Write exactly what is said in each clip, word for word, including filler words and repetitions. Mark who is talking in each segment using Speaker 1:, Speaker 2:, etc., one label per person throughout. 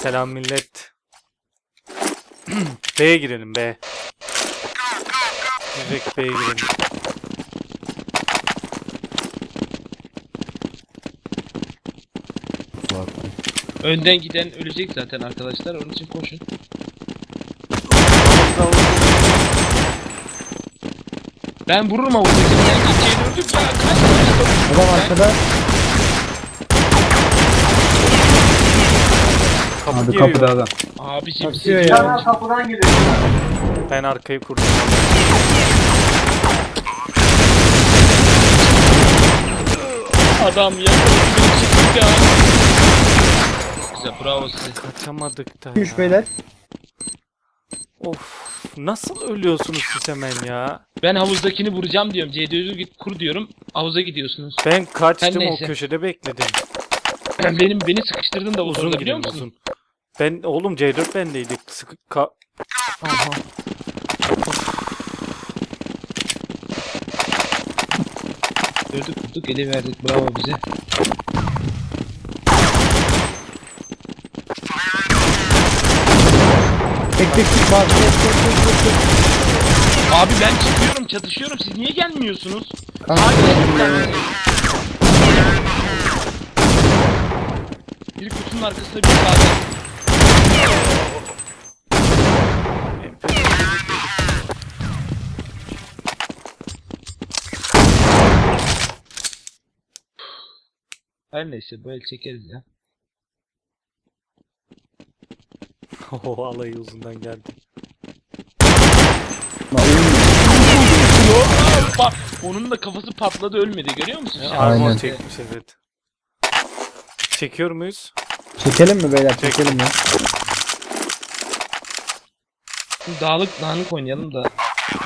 Speaker 1: Selam millet. B'ye girelim B. Direkt B'ye girelim.
Speaker 2: Önden giden ölecek zaten arkadaşlar. Onun için koşun. Ben vururum havuzdakini. Sen gideceğini öldük ya. Kaç tane
Speaker 3: Adam arkada.
Speaker 1: Kapı
Speaker 3: Abi
Speaker 1: giriyor.
Speaker 3: kapıda adam.
Speaker 2: Abicim
Speaker 3: Kaçıyor
Speaker 2: siz
Speaker 3: ya.
Speaker 2: ya.
Speaker 4: Kapıdan giriyor.
Speaker 1: Ben arkayı kurdum.
Speaker 2: Adam ya. Çıktık ya. Güzel, bravo size.
Speaker 1: Kaçamadık da ya.
Speaker 3: üç beyler.
Speaker 1: Of. Nasıl ölüyorsunuz siz hemen ya?
Speaker 2: Ben havuzdakini vuracağım diyorum. C D O'yu git kur diyorum. Havuza gidiyorsunuz.
Speaker 1: Ben kaçtım
Speaker 2: Her
Speaker 1: o
Speaker 2: neyse.
Speaker 1: köşede bekledim.
Speaker 2: Benim beni sıkıştırdın da
Speaker 1: Uzun
Speaker 2: uzun biliyor
Speaker 1: gidelim
Speaker 2: musun?
Speaker 1: uzun. Ben oğlum C dört bendeydik. Sıkı ka Aha.
Speaker 2: Gördük kurduk ele verdik. Bravo bize.
Speaker 3: Tek tek tek bak. Tek tek tek tek tek.
Speaker 2: Abi ben çıkıyorum çatışıyorum. Siz niye gelmiyorsunuz?
Speaker 3: Kanka,
Speaker 2: Hadi
Speaker 3: ya.
Speaker 2: bir kutunun arkasında bir sağda. Her neyse böyle çekeriz ya.
Speaker 1: O alayı uzundan geldi.
Speaker 2: Bak onun da kafası patladı ölmedi görüyor musun?
Speaker 1: Ya,
Speaker 2: Şansa
Speaker 1: armor
Speaker 2: bak.
Speaker 1: çekmiş evet. Çekiyor muyuz?
Speaker 3: Çekelim mi beyler? Çekelim mi?
Speaker 2: Dağlık dağınık oynayalım da.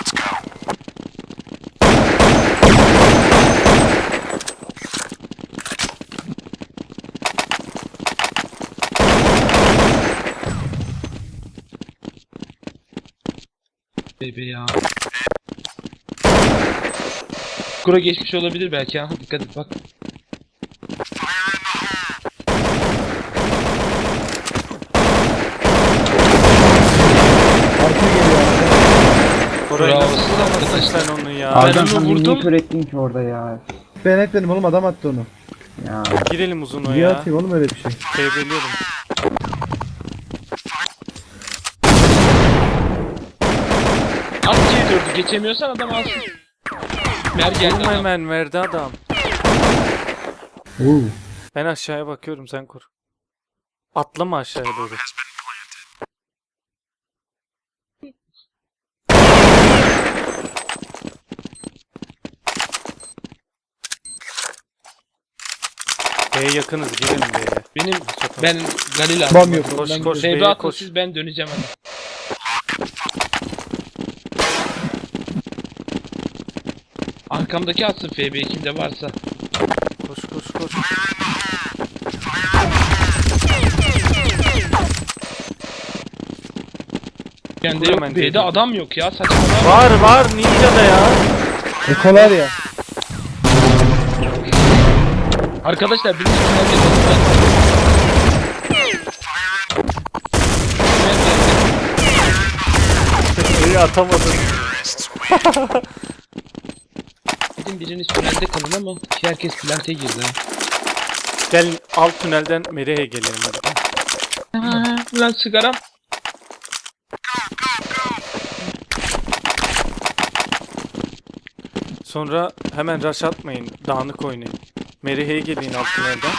Speaker 2: Bebe ya. Kura geçmiş olabilir belki ha. Dikkat et bak.
Speaker 3: Arka geliyor arka.
Speaker 1: Koray
Speaker 2: Bravo,
Speaker 1: nasıl
Speaker 2: siz
Speaker 1: vuramadın
Speaker 2: arkadaşlar.
Speaker 1: sen onu ya?
Speaker 2: Abi-
Speaker 3: Adam
Speaker 2: onu
Speaker 3: sen
Speaker 2: vurdum.
Speaker 3: niye kör ettin ki orada ya? Ben etmedim oğlum adam attı onu. Ya.
Speaker 1: Girelim uzun o
Speaker 3: Niye
Speaker 1: ya.
Speaker 3: atayım oğlum öyle bir şey?
Speaker 1: Kaybediyorum.
Speaker 2: At C dördü geçemiyorsan adam alsın. Mer geldi
Speaker 1: Vurma
Speaker 2: adam.
Speaker 1: hemen verdi adam.
Speaker 3: Oo.
Speaker 1: Ben aşağıya bakıyorum sen kur. Atlama aşağıya doğru. B'ye yakınız girelim B'ye.
Speaker 2: Benim
Speaker 1: Çatalım.
Speaker 2: ben Galil
Speaker 3: Bam yok.
Speaker 1: Koş,
Speaker 3: ondan
Speaker 1: koş.
Speaker 3: gidiyor.
Speaker 2: Bebe
Speaker 1: B'ye
Speaker 2: atın
Speaker 1: koş.
Speaker 2: siz ben döneceğim hadi. Arkamdaki atsın F B kimde varsa.
Speaker 1: Koş koş koş.
Speaker 2: Bende
Speaker 1: Kur
Speaker 2: yok
Speaker 1: hemen
Speaker 2: B'de
Speaker 1: dedi.
Speaker 2: adam yok ya saçmalama.
Speaker 1: Var var Ninja'da ya.
Speaker 3: Ekolar ya.
Speaker 2: Arkadaşlar birinci tünel yapalım.
Speaker 1: İyi atamadın.
Speaker 2: Dedim biriniz tünelde kalın ama herkes plante girdi ha.
Speaker 1: Gel alt tünelden Merihe'ye gelelim hadi.
Speaker 2: Ha, Lan sigaram.
Speaker 1: Sonra hemen rush atmayın. Dağınık oynayın. Merihe'ye gelin alt tünelden.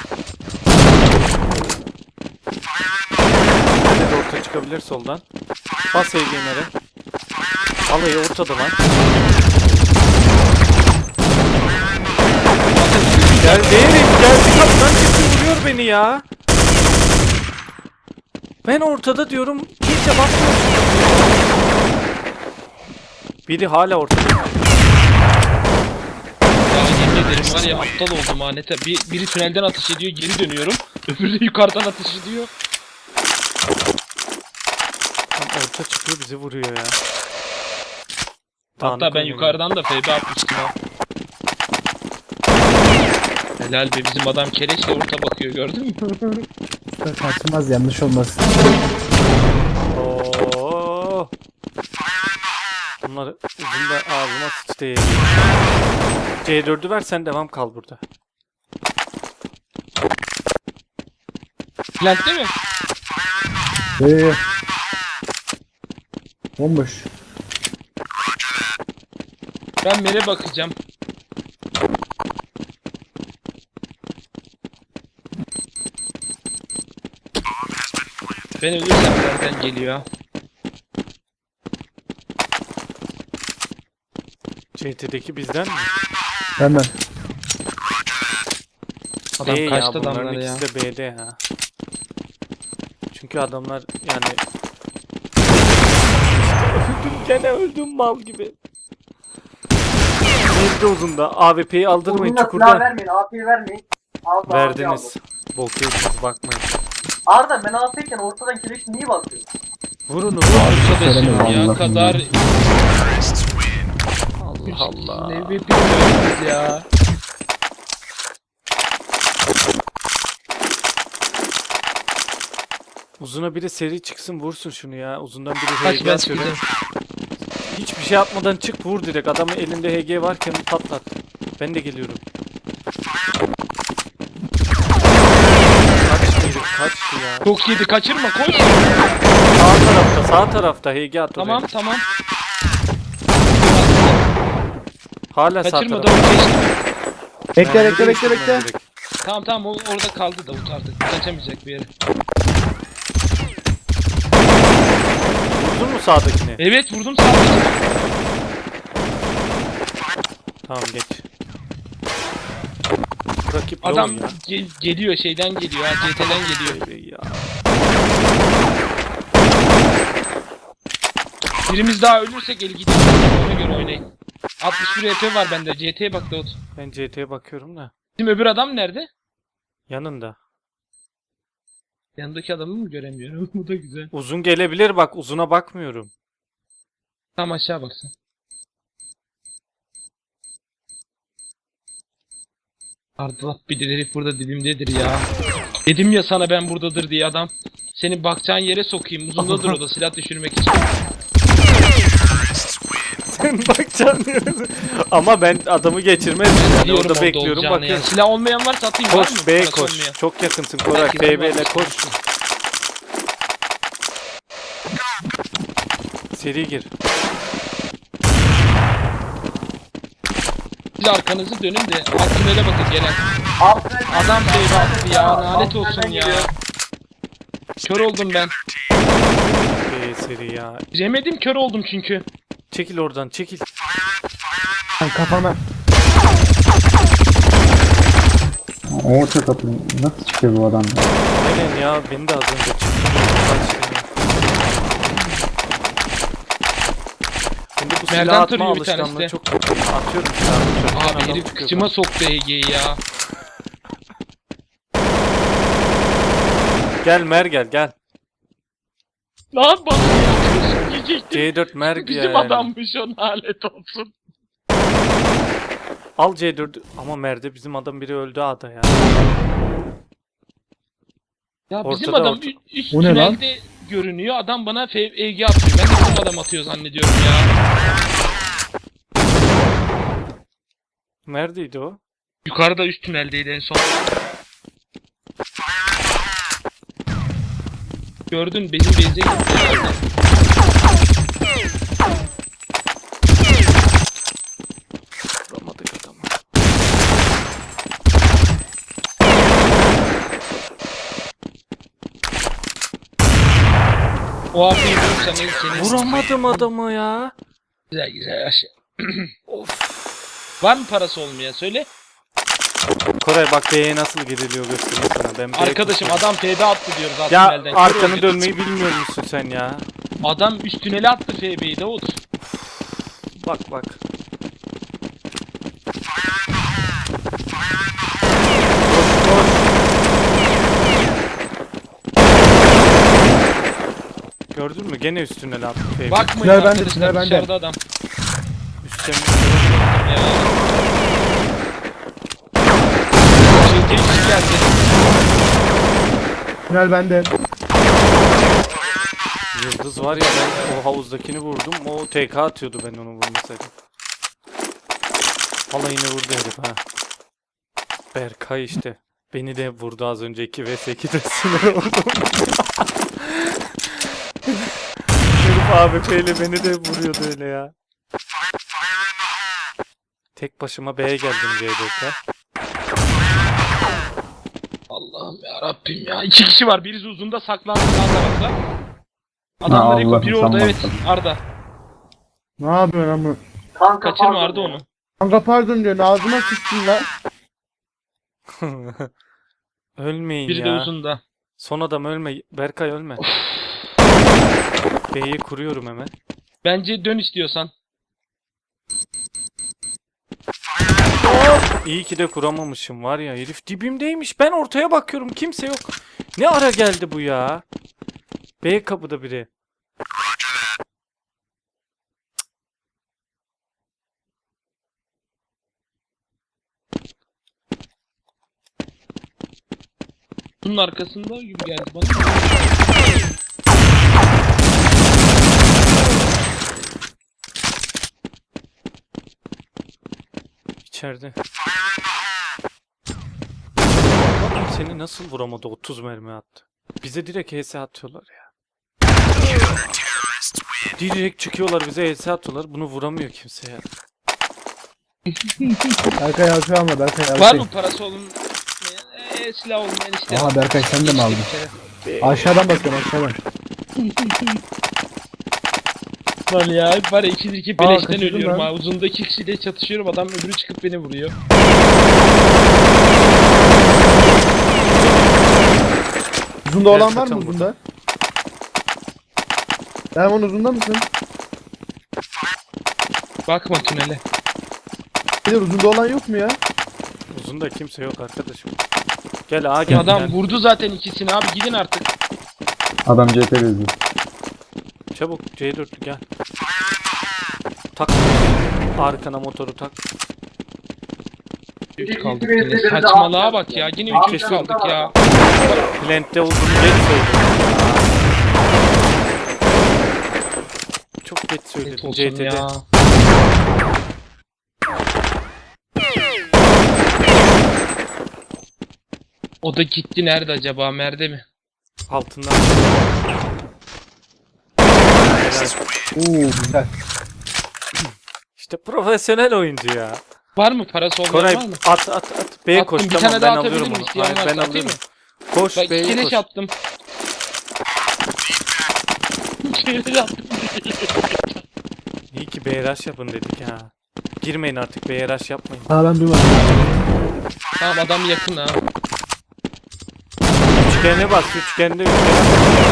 Speaker 1: Nerede de orta çıkabilir soldan. Bas E G M'e. Alayı ortada lan. Gel herif geldi kaptan çıktı vuruyor beni ya. Ben ortada diyorum kimse bakmıyor. Biri hala ortada.
Speaker 2: Ya yemin ederim var ya aptal oldum ha nete. Bir, biri tünelden ateş ediyor geri dönüyorum. Öbürü de yukarıdan ateş ediyor.
Speaker 1: Tam orta çıkıyor bizi vuruyor ya.
Speaker 2: Hatta
Speaker 1: Dağınık
Speaker 2: ben
Speaker 1: oynamıyor.
Speaker 2: yukarıdan da F B atmıştım ha. Helal be bizim adam kereçle orta bakıyor gördün mü?
Speaker 3: Kaçmaz yanlış olmasın.
Speaker 1: Oo. Bunlar uzun da ağzıma sıçtı. C dördü ver, sen devam kal burada.
Speaker 2: Plant değil mi?
Speaker 3: Ee, bomboş.
Speaker 2: Ben mere bakacağım. Ben ölürsem nereden geliyor?
Speaker 1: C T'deki bizden mi?
Speaker 3: Hemen.
Speaker 2: Adam
Speaker 1: B ya,
Speaker 2: kaçtı
Speaker 1: bunların
Speaker 2: adamları ya.
Speaker 1: ikisi de B'de ha. Çünkü adamlar yani... Öldüm gene öldüm mal gibi. Bir de uzunda. A W P'yi aldırmayın
Speaker 4: Uzunla silah
Speaker 1: çukurda.
Speaker 4: vermeyin, A P'yi vermeyin. Al da A P'yi
Speaker 1: Verdiniz.
Speaker 4: aldım.
Speaker 1: Bok yediniz, bakmayın.
Speaker 4: Arda ben A P'yken ortadan kireç niye bakıyorsun?
Speaker 1: Vurun vurun.
Speaker 2: Arkadaşım ya
Speaker 3: Allah'ım
Speaker 2: kadar...
Speaker 1: Allah Allah.
Speaker 2: Ne bilmiyoruz ya.
Speaker 1: Uzuna biri seri çıksın, vursun şunu ya. Uzundan biri
Speaker 2: Kaç
Speaker 1: H G
Speaker 2: ben
Speaker 1: atıyor.
Speaker 2: çıkacağım.
Speaker 1: Hiçbir şey atmadan çık, vur direkt. Adamın elinde H G varken patlat. Ben de geliyorum. Kaçtı herif, kaçtı ya.
Speaker 2: Çok yedi, kaçırma, koş.
Speaker 1: Sağ tarafta, sağ tarafta H G at oraya.
Speaker 2: Tamam tamam.
Speaker 1: Hala sağ
Speaker 2: Kaçırma da
Speaker 1: tarafta.
Speaker 2: geçti.
Speaker 3: Bekle
Speaker 1: Ben
Speaker 3: bekle
Speaker 1: de
Speaker 3: bekle
Speaker 1: geçtim
Speaker 3: bekle.
Speaker 1: ben direkt.
Speaker 2: Tamam tamam, o orada kaldı Davut artık. Kaçamayacak bir yere.
Speaker 1: Vurdun mu sağdakini?
Speaker 2: Evet vurdum sadece.
Speaker 1: Tamam, geç. Rakip low
Speaker 2: Adam
Speaker 1: ya.
Speaker 2: gel- geliyor şeyden geliyor ha, C T'den geliyor.
Speaker 1: Ey ya.
Speaker 2: Birimiz daha ölürsek el gidiyor. Ona göre oynayın. altmış bir E P var bende. C T'ye bak Davut.
Speaker 1: Ben C T'ye bakıyorum da.
Speaker 2: Bizim öbür adam nerede?
Speaker 1: Yanında.
Speaker 2: Yanındaki adamı mı göremiyorum? Bu da güzel.
Speaker 1: Uzun gelebilir bak, uzuna bakmıyorum.
Speaker 2: Tam aşağı baksın. Ardalap bir herif burada dibimdedir ya. Dedim ya sana ben buradadır diye adam. Seni bakacağın yere sokayım. Uzundadır o da silah düşürmek için.
Speaker 1: Sen bakacaksın diyorsun. Ama ben adamı geçirmezdim. Yani
Speaker 2: Biliyorum
Speaker 1: orada
Speaker 2: orada
Speaker 1: bekliyorum,
Speaker 2: olacağını
Speaker 1: bakıyorum.
Speaker 2: ya. Silah olmayan varsa atayım, var mı?
Speaker 1: Koş B
Speaker 2: Parası
Speaker 1: koş.
Speaker 2: olmayan.
Speaker 1: Çok yakınsın Koray.
Speaker 2: Belki
Speaker 1: F B
Speaker 2: var.
Speaker 1: ile koş. Seri gir.
Speaker 2: Siz arkanızı dönün de alt tünele bakın gelen.
Speaker 4: Altına
Speaker 2: Adam şey baktı ya,
Speaker 4: Alt
Speaker 2: lanet
Speaker 4: tünelden
Speaker 2: olsun ya.
Speaker 4: geliyor.
Speaker 2: Kör oldum ben.
Speaker 1: B seri ya.
Speaker 2: Giremedim, kör oldum çünkü.
Speaker 1: Çekil oradan, çekil.
Speaker 3: Lan kafama.
Speaker 5: Orta kapı nasıl çıkıyor bu adam?
Speaker 1: Aynen ya, beni de az önce çıktı. Kaçtı ya. Şimdi bu
Speaker 2: Nereden
Speaker 1: silah atma
Speaker 2: tarıyor bir tanesi
Speaker 1: alışkanlığı
Speaker 2: de?
Speaker 1: çok kötü. Atıyorum silahı. Çöpten
Speaker 2: Abi
Speaker 1: adam
Speaker 2: herif
Speaker 1: çıkıyor
Speaker 2: kıçıma
Speaker 1: bana.
Speaker 2: soktu E G'yi ya.
Speaker 1: Gel Mer, gel gel.
Speaker 2: Lan bana yiyecektim.
Speaker 1: C dört Mer
Speaker 2: Bizim
Speaker 1: gel.
Speaker 2: adammış o, lanet olsun.
Speaker 1: Al C dört ama Mer'de bizim adam biri öldü ada ya.
Speaker 2: Ya bizim
Speaker 1: Ortada,
Speaker 2: adam
Speaker 1: orta-
Speaker 2: ü- üst
Speaker 3: O ne lan?
Speaker 2: tünelde görünüyor. Adam bana F- E G atıyor. Ben de bizim adam atıyor zannediyorum ya.
Speaker 1: Neredeydi o?
Speaker 2: Yukarıda üst tüneldeydi en son. Gördün, benim base'e gitti herhalde.
Speaker 1: Vuramadık adamı.
Speaker 2: O abiyi vurursa ne seni...
Speaker 1: Vuramadım adamı ya.
Speaker 2: Güzel güzel aşağı.
Speaker 1: Of.
Speaker 2: Var mı parası olmayan söyle.
Speaker 1: Koray bak B'ye nasıl giriliyor göstereyim sana. Ben B'ye
Speaker 2: Arkadaşım
Speaker 1: koşuyorum.
Speaker 2: adam F'de attı diyoruz alt
Speaker 1: Ya
Speaker 2: tünelden. Kör
Speaker 1: arkanı
Speaker 2: oldu.
Speaker 1: dönmeyi bilmiyor musun sen ya?
Speaker 2: Adam üst tünele attı F B'yi Davut.
Speaker 1: Bak bak. Koş koş. Gördün mü? Gene üstüne lan. Baby.
Speaker 2: Bakmayın
Speaker 3: Tünel bende,
Speaker 2: arkadaşlar,
Speaker 3: tünel bende.
Speaker 2: dışarıda adam.
Speaker 1: Üstüne.
Speaker 2: Ya. Şey, temsil geldi.
Speaker 3: Tünel bende.
Speaker 1: Yıldız var ya, ben o havuzdakini vurdum. O T K atıyordu ben onu vurmasaydım. Valla yine vurdu herif ha. Berkay işte. Beni de vurdu az önce iki ve sekizde sinir oldum. Herif A W P ile beni de vuruyordu öyle ya. Tek başıma B'ye geldim C dörtte.
Speaker 2: Allah'ım ya Rabbim ya. İki kişi var. Birisi uzunda saklandı sağ tarafta. Adamlar
Speaker 5: Allah'ım,
Speaker 2: yok. Biri orada,
Speaker 5: sen
Speaker 2: evet.
Speaker 5: baktın.
Speaker 2: Arda.
Speaker 3: Ne yapıyorsun ama?
Speaker 4: Kanka
Speaker 2: Kaçırma
Speaker 4: pardon
Speaker 2: Arda
Speaker 4: ya.
Speaker 2: onu.
Speaker 3: Kanka pardon diyorsun ağzıma sıçtın lan.
Speaker 1: Ölmeyin
Speaker 2: Biri de
Speaker 1: ya.
Speaker 2: uzunda.
Speaker 1: Son adam ölme. Berkay ölme. B'yi kuruyorum hemen.
Speaker 2: Bence dön istiyorsan.
Speaker 1: İyi ki de kuramamışım var ya. Herif dibimdeymiş. Ben ortaya bakıyorum. Kimse yok. Ne ara geldi bu ya? B kapıda biri.
Speaker 2: Bunun arkasında gibi geldi bana.
Speaker 1: İçeride. Adam seni nasıl vuramadı? otuz mermi attı. Bize direkt H S atıyorlar ya. Direkt çıkıyorlar bize H S atıyorlar. Bunu vuramıyor kimse ya.
Speaker 3: Berkay alçı alma Berkay alçı.
Speaker 2: Var mı parası olun? Eee silah olmayan işte.
Speaker 3: Aha Berkay sen de mi aldın? Aşağıdan bakıyorum aşağıdan.
Speaker 2: Lan ya var ya ikidir iki
Speaker 3: Aa,
Speaker 2: beleşten
Speaker 3: kaçırdım
Speaker 2: ölüyorum
Speaker 3: lan.
Speaker 2: ha. Uzunda iki kişiyle çatışıyorum, adam öbürü çıkıp beni vuruyor.
Speaker 3: Uzunda olan var mı
Speaker 1: kaçan
Speaker 3: uzunda? Erman uzunda mısın?
Speaker 2: Bakma tünele.
Speaker 3: Bir de uzunda olan yok mu ya?
Speaker 1: Uzunda kimse yok arkadaşım. Gel A gel.
Speaker 2: Adam
Speaker 1: gel.
Speaker 2: vurdu zaten ikisini abi, gidin artık.
Speaker 5: Adam C T bezdi.
Speaker 1: Çabuk C dörtlü gel. Tak. Arkana motoru tak.
Speaker 2: Üç kaldık
Speaker 4: İki birisi
Speaker 2: yine.
Speaker 4: birisi
Speaker 2: Saçmalığa
Speaker 4: alt
Speaker 2: bak ya.
Speaker 4: yaptı.
Speaker 2: Yine
Speaker 4: Alt
Speaker 2: üç üç
Speaker 4: yaptı
Speaker 2: kaldık
Speaker 4: ama.
Speaker 2: ya.
Speaker 1: Plant'te olduğunu geç söyledim. Çok geç
Speaker 2: Evet
Speaker 1: söyledim
Speaker 2: olsun
Speaker 1: C T'de.
Speaker 2: ya. O da gitti, nerede acaba? Merde mi?
Speaker 1: Altından. Helal.
Speaker 3: Oo güzel.
Speaker 1: İşte profesyonel oyuncu ya.
Speaker 2: Var mı parası olmayan
Speaker 1: Koray
Speaker 2: var mı?
Speaker 1: at at at. B'ye
Speaker 2: Attım,
Speaker 1: koş
Speaker 2: bir
Speaker 1: tamam
Speaker 2: tane
Speaker 1: ben
Speaker 2: daha
Speaker 1: alıyorum
Speaker 2: atabilir
Speaker 1: onu.
Speaker 2: miyim? İsteyen
Speaker 1: Hayır,
Speaker 2: varsa
Speaker 1: ben
Speaker 2: atayım
Speaker 1: alıyorum. Koş
Speaker 2: Bak iki
Speaker 1: B'ye
Speaker 2: keleş
Speaker 1: koş.
Speaker 2: attım. İki keleş attım.
Speaker 1: İyi ki B R H yapın dedik ha. Girmeyin artık B R H yapmayın.
Speaker 3: Aa ben duymadım.
Speaker 2: Tamam adam yakın ha.
Speaker 1: Üçgene bas üçgende üçgene.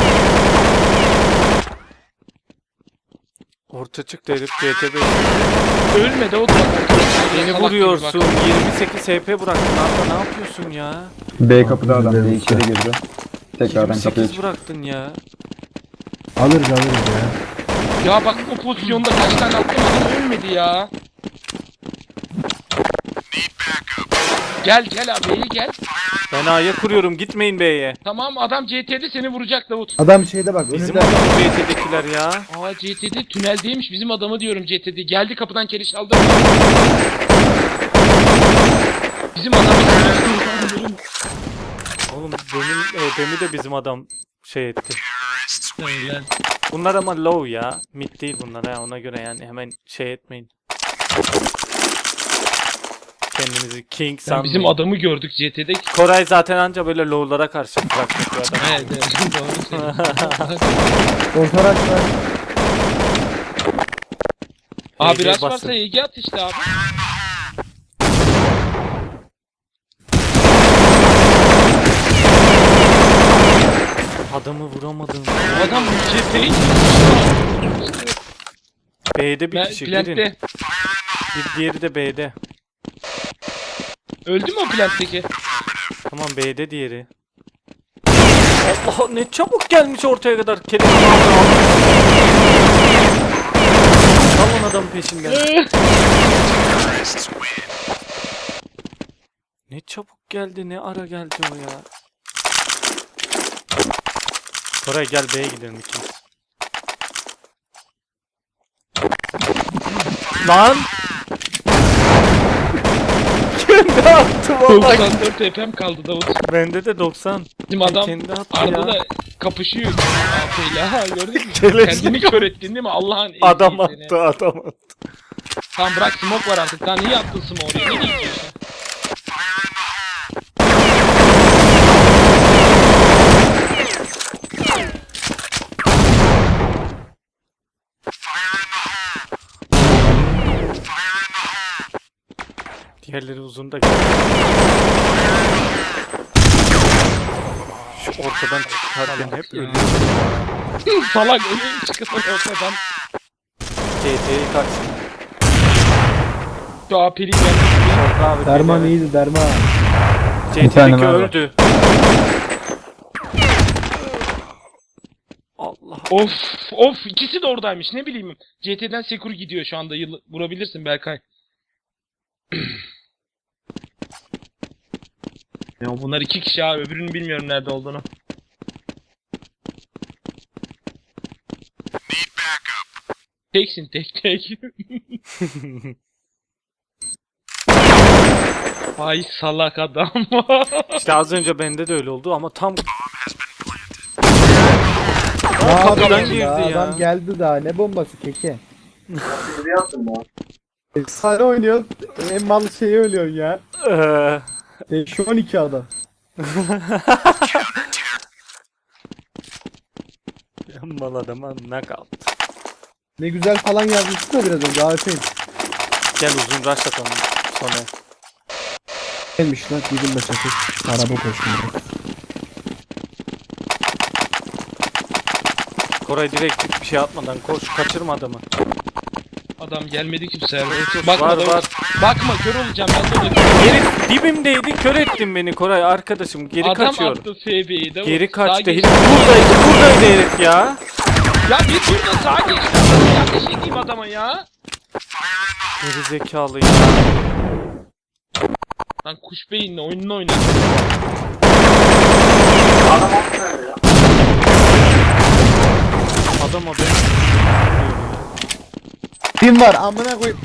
Speaker 1: Orta çıktı herif C T B.
Speaker 2: Ölmedi o da.
Speaker 1: Beni
Speaker 2: Salak
Speaker 1: vuruyorsun.
Speaker 2: gibi bak.
Speaker 1: yirmi sekiz H P bıraktın. Arda ne yapıyorsun ya?
Speaker 5: B kapıda adam.
Speaker 3: Güzel
Speaker 5: B içeri girdi. Tekrardan
Speaker 1: yirmi
Speaker 5: kapıya
Speaker 1: sekiz
Speaker 5: çıktı.
Speaker 1: bıraktın ya.
Speaker 3: Alırız alırız ya.
Speaker 2: Ya bak o pozisyonda kaç tane attım, adam ölmedi ya. Gel gel abi, iyi gel.
Speaker 1: Ben A'ya kuruyorum. Gitmeyin B'ye.
Speaker 2: Tamam, adam C T'de seni vuracak Davut.
Speaker 3: Adam şeyde bak
Speaker 1: Bizim
Speaker 3: önünde.
Speaker 1: adamı C T'dekiler ya.
Speaker 2: Aa C T'de tüneldeymiş, bizim adamı diyorum C T'de. Geldi kapıdan keriş aldı. Bizim adamı
Speaker 1: Oğlum benim B'mi de bizim adam şey etti.
Speaker 2: Lan.
Speaker 1: Bunlar ama low ya. Mid değil bunlar ha. Ona göre yani hemen şey etmeyin. Kendinizi king
Speaker 2: Sen
Speaker 1: sanmayın.
Speaker 2: bizim adamı gördük C T'de.
Speaker 1: Koray zaten anca böyle low'lara karşı bırakmış bir adam.
Speaker 2: Evet evet doğru söylüyorsun.
Speaker 3: Orta var.
Speaker 2: Abi
Speaker 1: Ege
Speaker 2: rush
Speaker 1: basın.
Speaker 2: varsa Ege at işte abi.
Speaker 1: Adamı vuramadım.
Speaker 2: Bu adam C T'yi
Speaker 1: B'de bir
Speaker 2: Ben
Speaker 1: kişi girin.
Speaker 2: plantte.
Speaker 1: Bir diğeri de B'de.
Speaker 2: Öldü mü o plantteki?
Speaker 1: Tamam B'de diğeri. Allah ne çabuk gelmiş ortaya kadar. Kerim. Alın adamın peşinden. Ne çabuk geldi, ne ara geldi o ya. Koray gel B'ye gidelim ikimiz. Lan! Kendi attı vallahi.
Speaker 2: doksan dört H P'm kaldı Davut.
Speaker 1: Bende de doksan.
Speaker 2: Bizim adam
Speaker 1: Kendi attı
Speaker 2: Arda
Speaker 1: ya.
Speaker 2: da kapışıyor. Aferin ha gördün mü?
Speaker 1: Keleşlik.
Speaker 2: Kendini kör ettin değil mi? Allah'ın eziği
Speaker 1: Adam
Speaker 2: seni.
Speaker 1: attı adam attı.
Speaker 2: Tamam bırak smoke var artık. Daha niye attın smoke oraya? Ne diyorsun?
Speaker 1: Diğerleri uzun da geldi. Şu ortadan çıkarken hep ölüyor.
Speaker 2: Salak öyle çıkıyor ortadan.
Speaker 1: C T'yi kaç.
Speaker 2: Şu A P'li geldi.
Speaker 1: Şorta abi.
Speaker 3: Derman
Speaker 1: geliyor.
Speaker 3: iyiydi derman.
Speaker 1: C
Speaker 5: Bir tane
Speaker 1: T'deki
Speaker 5: var.
Speaker 1: öldü. Allah.
Speaker 2: Of of ikisi de oradaymış ne bileyim. C T'den Sekur gidiyor şu anda. Yıl vurabilirsin Berkay. Ya bunlar iki kişi abi. Öbürünü bilmiyorum nerede olduğunu. Teksin tek tek. Ay salak adam.
Speaker 1: İşte az önce bende de öyle oldu ama tam
Speaker 3: Ne
Speaker 1: kapıdan
Speaker 3: yapıyorsun
Speaker 1: girdi
Speaker 3: ya?
Speaker 1: ya.
Speaker 3: Adam geldi daha. Ne bombası keke?
Speaker 4: Bir yaptım ya.
Speaker 3: Efsane oynuyor. En mal şeyi ölüyorsun ya.
Speaker 1: Eee,
Speaker 3: Şu on iki adam.
Speaker 1: mal adama knockout.
Speaker 3: Ne güzel falan yazmıştı da biraz önce. Afiyet.
Speaker 1: Gel uzun rush atalım sonra.
Speaker 3: Gelmiş lan. Gidin de çakır. Araba koşmuyor.
Speaker 1: Koray direkt hiçbir şey atmadan koş, kaçırma adamı.
Speaker 2: Adam gelmedi kimse. ya.
Speaker 1: Var,
Speaker 2: Bakma
Speaker 1: var,
Speaker 2: da-
Speaker 1: var.
Speaker 2: Bakma kör olacağım ben de ona kör.
Speaker 1: Herif dibimdeydi, kör ettin beni Koray arkadaşım. Geri
Speaker 2: Adam
Speaker 1: kaçıyor.
Speaker 2: attı F B'yi de.
Speaker 1: Geri
Speaker 2: Sağa
Speaker 1: kaçtı.
Speaker 2: geçti.
Speaker 1: Herif buradaydı, buradaydı herif ya.
Speaker 2: Ya bir turda sağa geçti. Nasıl yanlış edeyim adama ya?
Speaker 1: Geri zekalı ya.
Speaker 2: Lan kuş beyinle oyununu oynadı.
Speaker 4: Adam attı ya.
Speaker 1: Adam o beni.
Speaker 3: Kim var? Amına koy.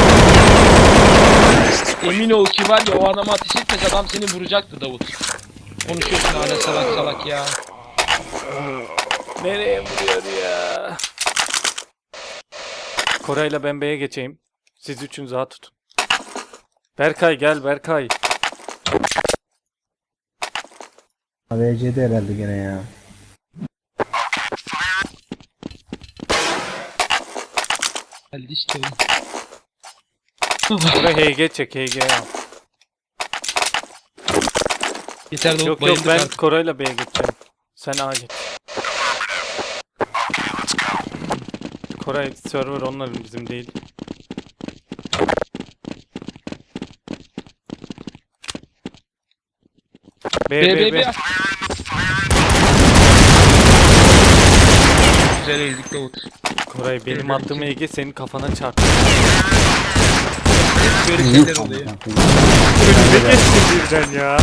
Speaker 2: Emin ol ki var ya o adama ateş etmez adam seni vuracaktı Davut. Konuşuyorsun hala salak salak ya.
Speaker 1: Nereye vuruyor ya? Koray'la ben B'ye geçeyim. Siz üçünüz A tutun. Berkay gel Berkay.
Speaker 3: V C'de herhalde gene ya.
Speaker 2: Geldi işte oğlum.
Speaker 1: Koray H G çek H G al.
Speaker 2: Yeter Davut
Speaker 1: Yok yok
Speaker 2: bayıldık
Speaker 1: ben
Speaker 2: artık.
Speaker 1: Koray'la B'ye geçeceğim. Sen A geç. Koray server onların bizim değil. B
Speaker 2: B
Speaker 1: B
Speaker 2: B
Speaker 1: B.
Speaker 2: B. Güzel eğildik Davut.
Speaker 1: Koray benim attığım E G senin kafana çarptı.
Speaker 2: Böyle
Speaker 5: Yuh
Speaker 2: şeyler
Speaker 5: amına
Speaker 2: oluyor.
Speaker 5: koyayım.
Speaker 1: Önüme geçti birden ya.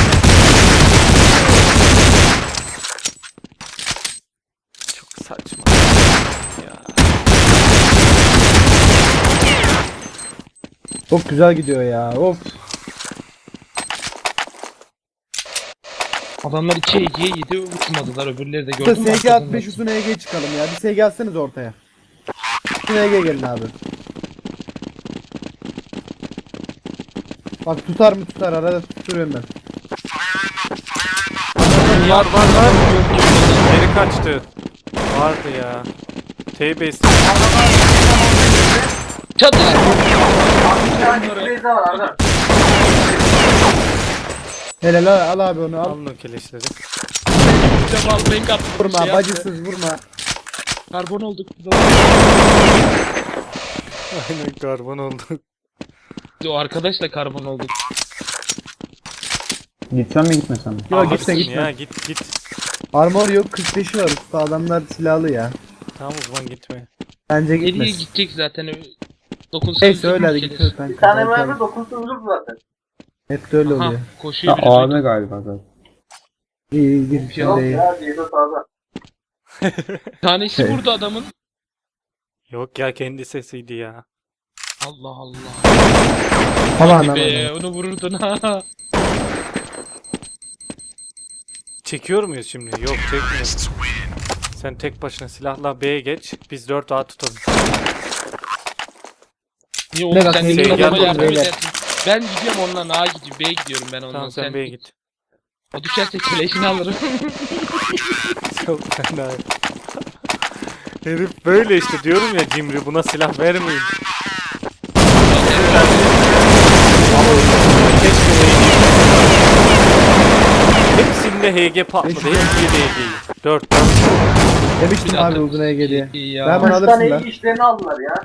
Speaker 1: Çok saçma. Ya.
Speaker 3: Çok güzel gidiyor ya. Of.
Speaker 2: Adamlar iki Ege'ye yedi uçmadılar öbürleri de
Speaker 3: İşte
Speaker 2: gördün mü?
Speaker 3: S G
Speaker 2: Arkadan
Speaker 3: altmış üstüne E G çıkalım ya. Bir S G atseniz ortaya. Üstüne E G gelin abi. Bak tutar mı tutar arada tutuyorum ben.
Speaker 1: Var var var. Geri kaçtı. Vardı ya. T-Base.
Speaker 2: Çatış!
Speaker 4: Bir tane bir daha var Arda.
Speaker 3: Helal al, al abi onu al.
Speaker 1: Alın o keleşleri.
Speaker 2: Cemal renk attı.
Speaker 3: Vurma
Speaker 2: şey yaptı.
Speaker 3: bacısız vurma.
Speaker 2: Karbon olduk.
Speaker 1: Aynen karbon oldu.
Speaker 2: O arkadaşla karbon olduk.
Speaker 5: Gitsem mi gitmesem mi?
Speaker 3: Yok
Speaker 1: Aa,
Speaker 3: gitme
Speaker 1: gitsin
Speaker 3: gitme.
Speaker 1: Ya git git.
Speaker 3: Armor yok kırk beşi var usta adamlar silahlı ya.
Speaker 1: Tamam o zaman gitme.
Speaker 3: Bence
Speaker 2: Nereye
Speaker 3: gitmez.
Speaker 2: gidecek zaten. Dokunsuz.
Speaker 3: Neyse öyle hadi
Speaker 2: bir
Speaker 3: git.
Speaker 2: şeyler.
Speaker 3: kanka.
Speaker 4: Bir tane
Speaker 3: Belki
Speaker 4: mermi
Speaker 3: abi.
Speaker 4: dokunsuz ölür zaten.
Speaker 3: Hep de öyle
Speaker 2: Aha,
Speaker 3: oluyor.
Speaker 2: koşuyor
Speaker 5: Ya
Speaker 2: biri.
Speaker 5: A V galiba zaten.
Speaker 3: İyi iyi gir sen
Speaker 4: Yok
Speaker 3: de iyi.
Speaker 4: ya, Ceyda sağda.
Speaker 2: Bir tanesi vurdu adamın.
Speaker 1: Yok ya kendi sesiydi ya.
Speaker 2: Allah Allah.
Speaker 3: Aman
Speaker 2: Hadi
Speaker 3: aman.
Speaker 2: be onu vururdun ha.
Speaker 1: Çekiyor muyuz şimdi? Yok çekmiyoruz. Sen tek başına silahla B'ye geç. Biz dört A tutalım.
Speaker 2: Niye
Speaker 3: Ne
Speaker 2: oğlum
Speaker 3: bak,
Speaker 2: sen
Speaker 3: ne
Speaker 2: de
Speaker 1: güzel
Speaker 2: adama
Speaker 1: yaptın
Speaker 2: yardım
Speaker 3: beyler.
Speaker 2: edersin. Ben gidiyorum ondan A'ya gidiyorum. B'ye gidiyorum ben ondan.
Speaker 1: Tamam sen B'ye git.
Speaker 2: O düşerse keleşini alırım.
Speaker 1: Çok fena. Herif böyle işte diyorum ya cimri buna silah vermeyin. Keşke H G. Hepsinde H G patladı. Hepsinde H G'yi. dört dört.
Speaker 3: Demiştim
Speaker 2: Bir
Speaker 3: abi
Speaker 2: dakika.
Speaker 3: uzun Ege diye.
Speaker 2: İyi ya.
Speaker 3: Ben bana
Speaker 4: Üç
Speaker 3: alırsın
Speaker 4: tane
Speaker 3: lan.
Speaker 4: iyi işlerini aldılar ya.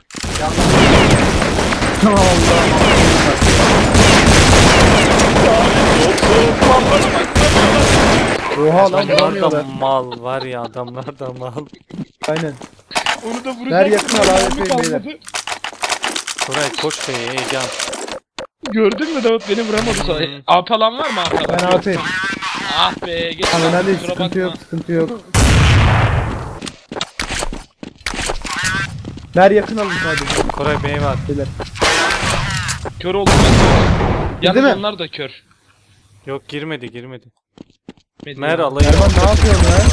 Speaker 3: Oha lan
Speaker 1: Adamlar da
Speaker 3: vuramıyorlar.
Speaker 1: mal var ya adamlar da mal.
Speaker 3: Aynen.
Speaker 2: Onu da vuracak.
Speaker 3: Ver yakın al abi,
Speaker 2: Mermi
Speaker 3: yapayım
Speaker 2: kalmadı.
Speaker 3: beyler.
Speaker 1: Koray koş be heyecan.
Speaker 2: Gördün mü Davut beni vuramadı sonra.
Speaker 1: Hmm.
Speaker 2: A falan var mı A falan?
Speaker 3: Ben A P'yim.
Speaker 2: Ah be geç.
Speaker 3: Tamam
Speaker 2: lan,
Speaker 3: hadi
Speaker 2: kusura
Speaker 3: sıkıntı
Speaker 2: bakma.
Speaker 3: yok sıkıntı yok. Ver yakın alın sadece.
Speaker 1: Koray Bey var.
Speaker 3: Beyler.
Speaker 2: Kör oldum ben. Yalnız
Speaker 3: mi?
Speaker 2: onlar da kör.
Speaker 1: Yok girmedi girmedi.
Speaker 2: Medya.
Speaker 1: Mer alayı.
Speaker 3: Erman ne yapıyorsun lan?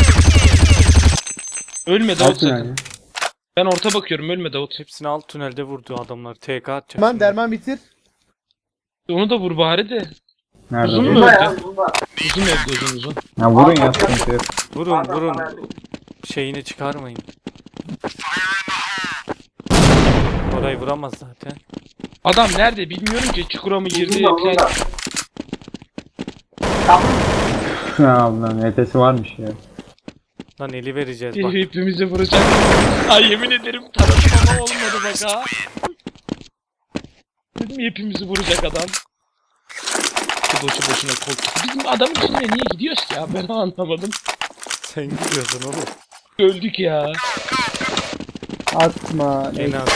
Speaker 2: Ölme Davut
Speaker 5: Altın
Speaker 2: sakın.
Speaker 5: yani.
Speaker 2: Ben orta bakıyorum ölme Davut.
Speaker 1: Hepsini alt tünelde vurdu adamlar. T K atacak.
Speaker 3: Derman
Speaker 1: şimdi.
Speaker 3: derman bitir.
Speaker 2: Onu da vur bari de.
Speaker 5: Nerede?
Speaker 2: Uzun mu?
Speaker 4: Bunda ya bunda.
Speaker 2: Uzun evde uzun uzun.
Speaker 5: Ya vurun ya sıkıntı yok.
Speaker 1: Vurun
Speaker 4: Adam
Speaker 1: vurun.
Speaker 4: bana-
Speaker 1: Şeyini çıkarmayın. Koray vuramaz zaten.
Speaker 2: Adam nerede bilmiyorum ki çukura mı girdi
Speaker 4: Uzun da uzun da.
Speaker 2: falan.
Speaker 4: Tamam.
Speaker 5: Ya Allah'ım E T'si varmış ya.
Speaker 1: Lan eli vereceğiz bak.
Speaker 2: Hepimizi vuracak. Ay yemin ederim taradım ama olmadı bak ha. Dedim hepimizi vuracak adam. Bu boşu boşuna korktu. Bizim adamın içinde niye gidiyoruz ki ya ben anlamadım.
Speaker 1: Sen gidiyorsun oğlum.
Speaker 2: Öldük ya.
Speaker 3: Atma.
Speaker 1: En az.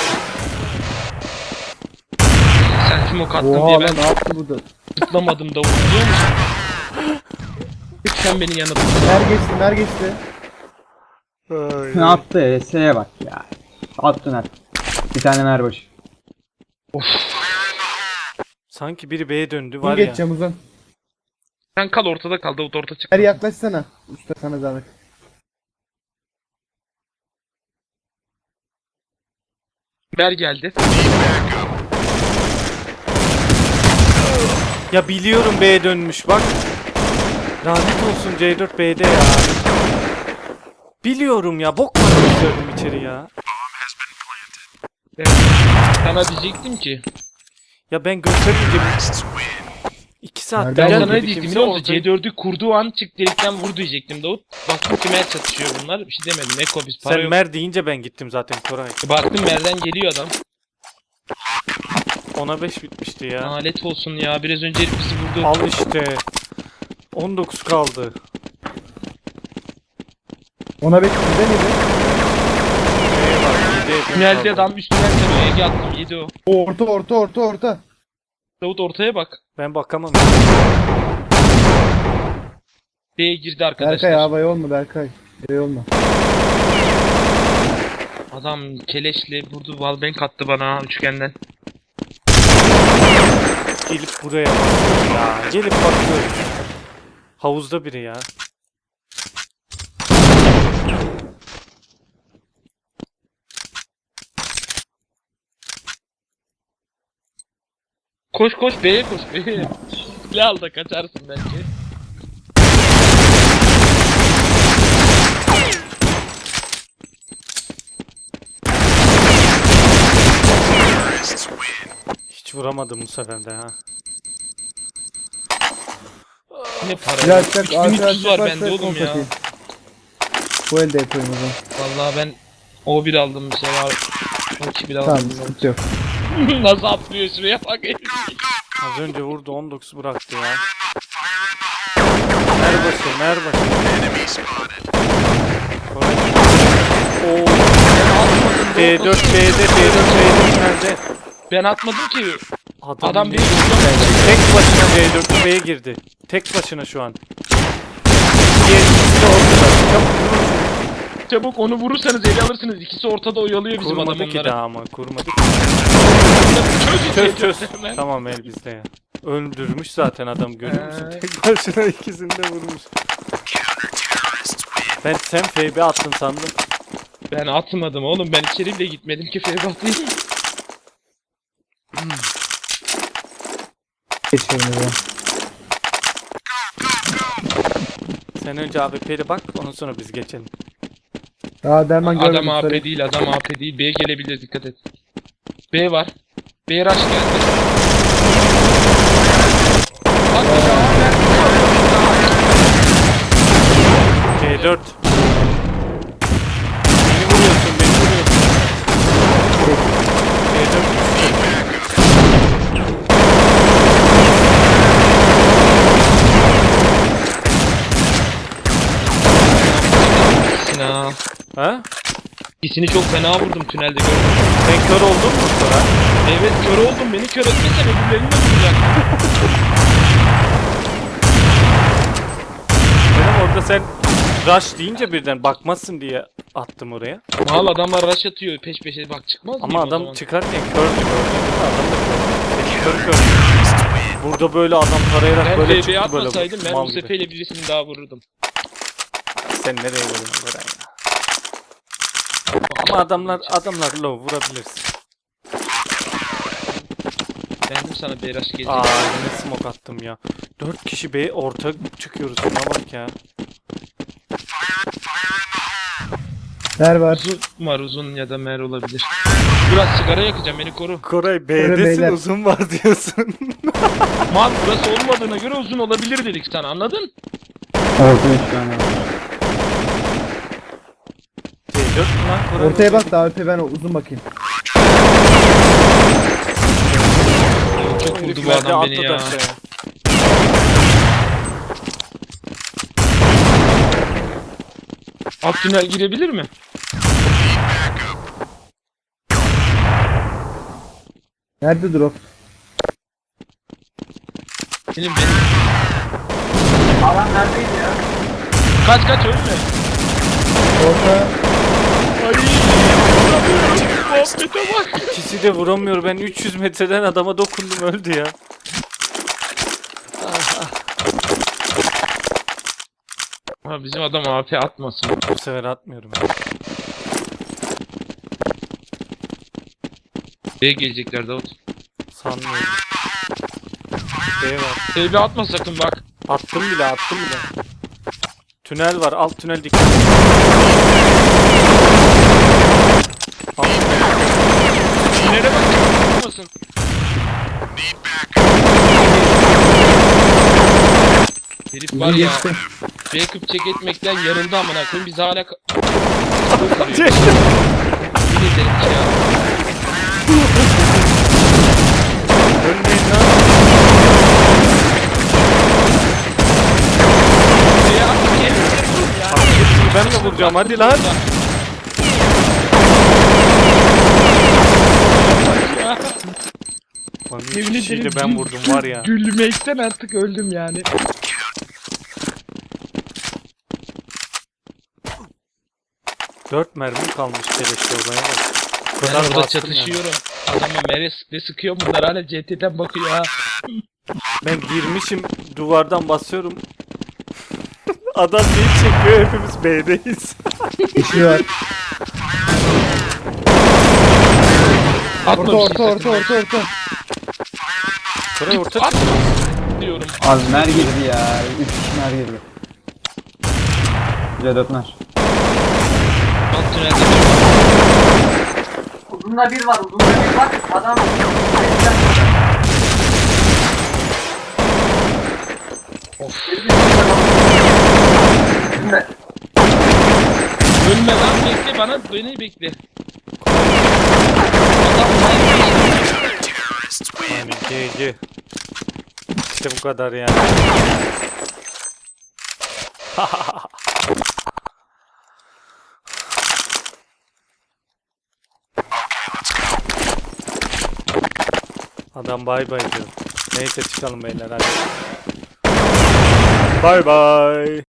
Speaker 2: Sen smoke attın
Speaker 3: Oha
Speaker 2: diye
Speaker 3: lan
Speaker 2: ben
Speaker 3: ne yaptı bu da?
Speaker 2: zıplamadım da biliyor musun? Hep sen beni yanıldın.
Speaker 3: Mer geçti mer geçti.
Speaker 5: Ne attı E S'ye bak ya. Attın at. Bir tane merbaşı.
Speaker 1: Sanki biri B'ye döndü
Speaker 3: Uzun
Speaker 1: var ya.
Speaker 3: geçeceğim uzun.
Speaker 2: Sen kal ortada kal Davut orta çık.
Speaker 3: Mer yaklaşsana. Usta sana zahmet.
Speaker 2: Ber geldi.
Speaker 1: Ya biliyorum B'ye dönmüş bak. Lanet olsun C dört B'de ya. Biliyorum ya bok var gösterdim içeri ya.
Speaker 2: Evet. Sana diyecektim ki.
Speaker 1: Ya ben göstermeyince iki saatte
Speaker 3: Nereden
Speaker 2: Ben
Speaker 1: geldi
Speaker 2: sana ne
Speaker 1: bir
Speaker 2: diyecektim
Speaker 1: kimse
Speaker 2: biliyor musun?
Speaker 1: ortaya-
Speaker 2: C dördü kurduğu an çık delikten vur diyecektim Davut. Baktım ki Mer çatışıyor bunlar. Bir şey demedim. Eko biz para
Speaker 1: Sen
Speaker 2: yok.
Speaker 1: Mer deyince ben gittim zaten Koray.
Speaker 2: Baktım Mer'den geliyor adam.
Speaker 1: ona beş bitmişti ya.
Speaker 2: Lanet olsun ya. Biraz önce herif bizi vurdu.
Speaker 1: Al işte. on dokuz kaldı.
Speaker 3: Ona beş bizde miydi?
Speaker 1: B'ye bak yedi yakın
Speaker 2: Tünelde
Speaker 1: kaldı.
Speaker 2: adam üstünden tanıyor. Ege attım yedi o.
Speaker 3: Orta orta orta orta.
Speaker 2: Davut ortaya bak.
Speaker 1: Ben bakamam.
Speaker 2: B'ye girdi arkadaşlar.
Speaker 3: Berkay havaya olma Berkay. Şey olma.
Speaker 2: Adam keleşle vurdu. Wallbang attı bana üçgenden.
Speaker 1: Gelip buraya bakıyor ya. Gelip bakıyor. Havuzda biri ya.
Speaker 2: Koş koş B'ye koş B'ye. Silah al da kaçarsın belki.
Speaker 1: Hiç vuramadım bu sefer de ha.
Speaker 2: Ne para
Speaker 3: Silah
Speaker 2: ya.
Speaker 3: açacak
Speaker 2: üç bin üç yüz var
Speaker 3: arkadaşlar
Speaker 2: bende oğlum ya.
Speaker 3: Bu elde yapıyorum o zaman.
Speaker 2: Vallahi ben O bir aldım bir şey var. O iki bir
Speaker 3: Tamam
Speaker 2: aldım.
Speaker 3: sıkıntı yok.
Speaker 2: Nasıl atlıyor şuraya bak.
Speaker 1: Az önce vurdu on dokuz bıraktı ya. Merbaşı, merbaşı. Koray. Oo. D dört B'de, D dört B'de nerede?
Speaker 2: Ben atmadım ki.
Speaker 1: Adam,
Speaker 2: Adam
Speaker 1: ne-
Speaker 2: bir
Speaker 1: tek başına D dört B'ye girdi. Tek başına şu an. Diğer ikisi de ortada. Çabuk vurun şunu.
Speaker 2: Çabuk onu vurursanız ele alırsınız. İkisi ortada oyalıyor bizim adam
Speaker 1: Kurmadı ki
Speaker 2: onları.
Speaker 1: daha ama kurmadı.
Speaker 2: Çöz
Speaker 1: Çöz
Speaker 2: çöz
Speaker 1: çöz.
Speaker 2: hemen.
Speaker 1: Tamam el bizde ya. Öldürmüş zaten adam görüyor musun?
Speaker 2: Ee.
Speaker 1: Tek başına ikisini de vurmuş. Ben sen F B attın sandım.
Speaker 2: Ben atmadım oğlum. Ben içeri bile gitmedim ki Fevbat'layım.
Speaker 3: Geçiyorum ya.
Speaker 1: Sen önce A W P'li bak ondan sonra biz geçelim.
Speaker 3: Daha derman görmedim.
Speaker 2: Adam A P
Speaker 3: söyle.
Speaker 2: değil, adam A P değil. B gelebilir, dikkat et. B var. B rush geldi. Hadi ya,
Speaker 1: C dört. Beni vuruyorsun beni vuruyorsun. C dört düştü.
Speaker 2: Sinan.
Speaker 1: Ha?
Speaker 2: İkisini çok fena vurdum tünelde gördüm.
Speaker 1: Sen kör oldun mu sonra?
Speaker 2: Evet kör oldum, beni kör etmesen öbürlerini de vuracaktım.
Speaker 1: Benim orada sen rush deyince birden bakmazsın diye attım oraya.
Speaker 2: Mal adamlar rush atıyor peş peşe, bak çıkmaz
Speaker 1: Ama
Speaker 2: mıyım o
Speaker 1: adam
Speaker 2: zaman?
Speaker 1: çıkarken kördü gördün değil mi? Adam da kördü. Seni kör kör. Burada böyle adam tarayarak
Speaker 2: Ben
Speaker 1: böyle
Speaker 2: B B'ye
Speaker 1: çıktı böyle.
Speaker 2: atmasaydım ben
Speaker 1: mal
Speaker 2: bu
Speaker 1: gibi.
Speaker 2: seferle birisini daha vururdum.
Speaker 1: Sen nereye vuruyorsun Beren ya? Ama adamlar adamlar low vurabilirsin.
Speaker 2: Beğendim sana B rush gelecek.
Speaker 1: Aa yine smoke attım ya. Dört kişi B orta çıkıyoruz. Şuna bak ya.
Speaker 3: Der var.
Speaker 2: Uzun var, uzun ya da mer olabilir. Biraz sigara yakacağım, beni koru.
Speaker 1: Koray
Speaker 3: Beyler.
Speaker 1: B'desin uzun var diyorsun.
Speaker 2: Mal burası olmadığına göre uzun olabilir dedik sana, anladın?
Speaker 5: Orta üç tane var.
Speaker 1: C dört mü lan Koray?
Speaker 3: Ortaya bak da A W P ben uzun bakayım.
Speaker 2: Çok vurdu bu
Speaker 1: Herifler de
Speaker 2: adam beni
Speaker 1: atladı
Speaker 2: ya.
Speaker 1: aşağıya.
Speaker 2: Alt tünel girebilir mi?
Speaker 3: Nerede drop?
Speaker 2: Benim benim.
Speaker 4: Adam neredeydi ya?
Speaker 2: Kaç kaç ölme.
Speaker 3: Orta.
Speaker 2: Ay vuramıyorum. Muhabbete bak.
Speaker 1: İkisi de vuramıyor. Ben üç yüz metreden adama dokundum öldü ya.
Speaker 2: Ha, bizim adam A P atmasın.
Speaker 1: Bu sefer atmıyorum.
Speaker 2: B'ye gelecekler Davut.
Speaker 1: Sanmıyorum. B var.
Speaker 2: T B atma sakın bak.
Speaker 1: Attım bile attım bile. Tünel var. Alt tünel dikkat. Alt tünel.
Speaker 2: Tünele bak. Atmasın. Herif var
Speaker 3: Uzun
Speaker 2: ya.
Speaker 3: geçti.
Speaker 2: Backup check etmekten yarıldı amına koyayım. Biz hala ka-
Speaker 1: Çek.
Speaker 2: Yemin ederim ki ya.
Speaker 1: Ölmeyin lan.
Speaker 2: Ya kendinize vurun ya.
Speaker 1: Abi hepsini ben de vuracağım hadi lan.
Speaker 2: Ya.
Speaker 1: Lan üç
Speaker 2: Yemin
Speaker 1: kişiyi de
Speaker 2: ederim
Speaker 1: ben
Speaker 2: gül-
Speaker 1: vurdum var ya.
Speaker 2: Gülmekten artık öldüm yani.
Speaker 1: Dört mermi kalmış keleşte olaya bak. Bu
Speaker 2: Ben
Speaker 1: kadar
Speaker 2: orada
Speaker 1: bastım yani.
Speaker 2: çatışıyorum. Adama meres ne sıkıyor, bunlar hala C T'den bakıyor ha.
Speaker 1: Ben girmişim duvardan basıyorum. Adam neyi çekiyor hepimiz B'deyiz.
Speaker 3: Kişi var.
Speaker 2: Atma
Speaker 3: Orta
Speaker 2: bir
Speaker 3: orta
Speaker 2: şey
Speaker 3: orta
Speaker 2: sakın.
Speaker 3: orta orta.
Speaker 1: Koray orta
Speaker 2: At
Speaker 1: çık.
Speaker 2: diyorum.
Speaker 5: Az mer girdi ya. üç kişi mer girdi. C dört mer.
Speaker 2: Alt tünelde.
Speaker 4: Uzunda bir var, uzunda bir var. Adam...
Speaker 2: Of.
Speaker 4: Şimdi.
Speaker 2: Ölme lan, bekle bana, beni bekle. Adam
Speaker 1: Yani G G. İşte bu kadar yani. Adam bay bay diyor. Neyse çıkalım beyler hadi. Bay bay.